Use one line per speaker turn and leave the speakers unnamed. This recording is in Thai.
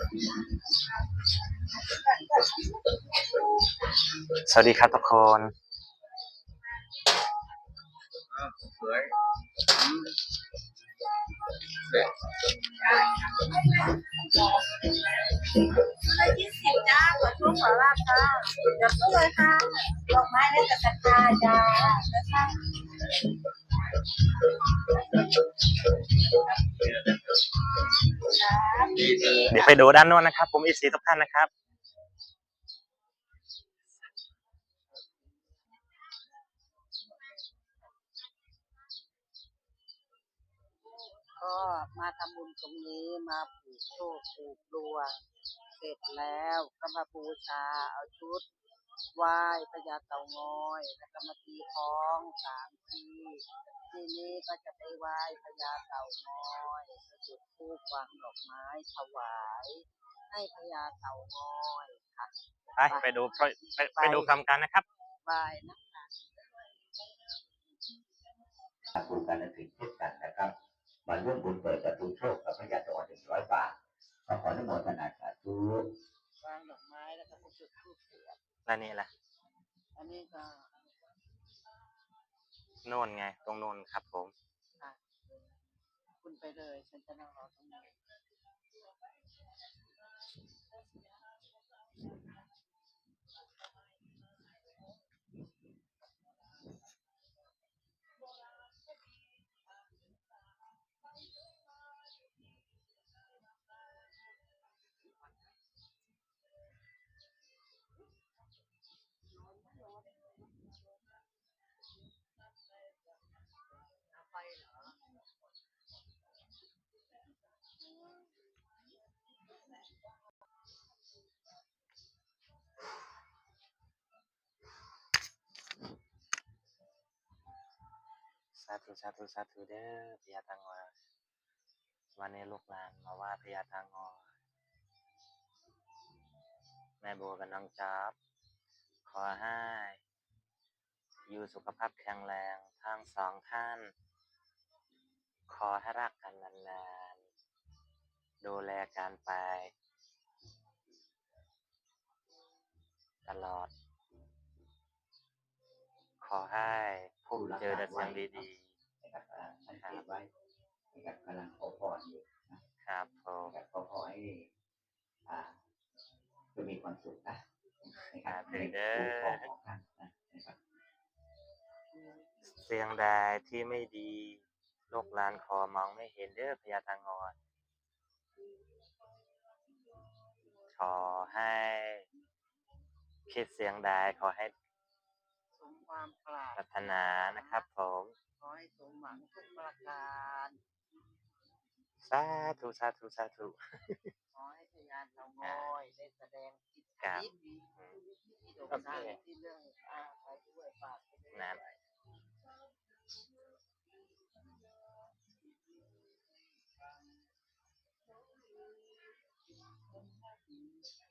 สวัสดีครับทุกคน
สวย20จ้าขอช่วงขอลาบค่ะเดี๋ยวก็เลยค่ะดอกไม้และกระถางจ้า
เดี๋ยวไปดูด้านโน้นนะครับผมอีซีทุกท่านนะครับ
ก็มาทำบุญตรงนี้มาผูกโชคผูกดวงเสร็จแล้วก็มาบูชาเอาชุดไหว้พญาเต่างอยแล้วก็มาตีคล้อง3 ทีทีนี้ก็จะไปไหว้พญาเต่างอยจุดธูปวางดอกไม้ถวายให้พญาเต่างอยค่ะ
ไปดูคำกันนะครับ
บายนะคะ
ผูกกันถึงเช่นกันนะครับมาร่วมบุญเปิดประตูโชคกับพระยาตะวัน100 บาทขออนุโมทนาสาธุ
วางดอกไม้แล้วก็จุดธูปเสียบ
แล้วนี่แหละ
อันนี้ก็
โน่นไงตรงโน่นครับผม
คุณไปเลยฉันจะนั่งรอตรงนี้
สาธุสาธุสาธุเด้อพญาเต่างอยวันนี้ลูกหลานมาว่าพญาเต่างอยแม่บัวกับน้องจ๊อบขอให้อยู่สุขภาพแข็งแรงทั้งสองท่านขอให้รักกันนานๆดูแลกันไปตลอดขอให้พบเจอแต่สิ่งดี
ๆนะครับสังเกตไว้นะครับกำลังขอพรอยู่
นะครับผม
ขอให้จะมีความสุขนะนะครับในคู่ครองของท่านนะครับ
เสียงใดที่ไม่ดีลูกหลานขอมองไม่เห็นเด้อพญาเต่างอยขอให้คิดเสียงใดขอให้
สมความปราร
ถนานะครับผม
ขอให้สมหวังทุกประการ
สาธุสาธุสาธุ
ขอให้พญาเต่างอยได้แสดงอิทธิฤทธิ์ที่โด่งดังที่เรื่องไปด้วยปากไปด้วย
นะ